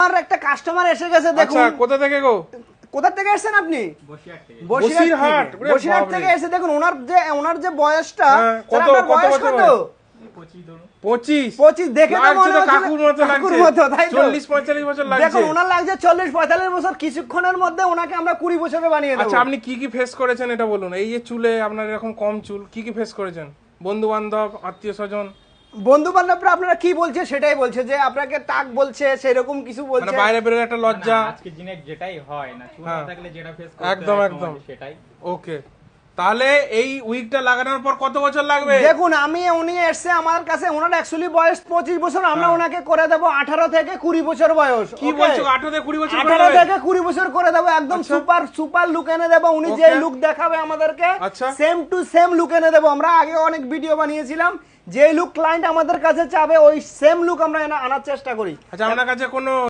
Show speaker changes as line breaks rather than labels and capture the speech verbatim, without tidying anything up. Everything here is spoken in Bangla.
আমার একটা কাস্টমার এসে গেছে দেখুন।
আচ্ছা, কোথা থেকে গো?
কোথা থেকে এসেছেন আপনি?
বসিরহাট থেকে।
বসিরহাট থেকে। বসিরহাট থেকে এসে দেখুন ওনার যে ওনার যে বয়সটা,
কত
আপনার
কত
বয়স
বছর?
কত?
পঁচিশ।
পঁচিশ দেখে তো মনে হচ্ছে
কাকুর মতো
কাকুর
লাগছে।
মতো, তাই তো?
চল্লিশ পঁয়তাল্লিশ বছর লাগছে।
দেখুন ওনার লাগছে চল্লিশ পঁয়তাল্লিশ বছর, কিছুক্ষণের মধ্যে ওনাকে আমরা কুড়ি বছরে বানিয়ে দেব।
আচ্ছা, আপনি কি কি ফেস করেছেন এটা বলুন। এই যে চুলে আপনার এরকম কম চুল, কি কি ফেস করেছেন? বন্ধু বান্ধব, আত্মীয় স্বজন?
বন্ধু বান্ধবরা আপনারা কি বলছে সেটাই বলছে, যে আপনাকে টাক বলছে, সেরকম কিছু
মানে
বলছে।
বাইরে বেরোলে একটা লজ্জা।
আজকে দিনে যেটাই হয় না, চুল না
হ্যাঁ।
থাকলে যেটা ফেস করতে
একদম,
হয়
একদম।
সমাজে সেটাই।
ওকে, তাহলে এই উইকটা লাগানোর পর কত বছর লাগবে?
দেখুন আমি উনি এসছে আমার কাছে, ওনার অ্যাকচুয়ালি বয়স পঁচিশ বছর, আমরা ওনাকে করে দেবো আঠারো থেকে কুড়ি বছর বয়স।
কি
okay?
বলছো, আঠারো থেকে কুড়ি বছর করে
আঠারো
দেবে?
থেকে কুড়ি বছর করে দেবো, একদম
আচ্ছা।
সুপার সুপার লুক এনে দেবো। উনি যে
Okay.
লুক দেখাবে আমাদেরকে
আচ্ছা।
সেম টু সেম লুক এনে দেবো। আমরা আগে অনেক ভিডিও বানিয়েছিলাম, যে লুক ক্লায়েন্ট আমাদের কাছে চাবে ওই সেম লুক আমরা এনে আনার চেষ্টা করি।
আচ্ছা, আপনার কাছে কোনো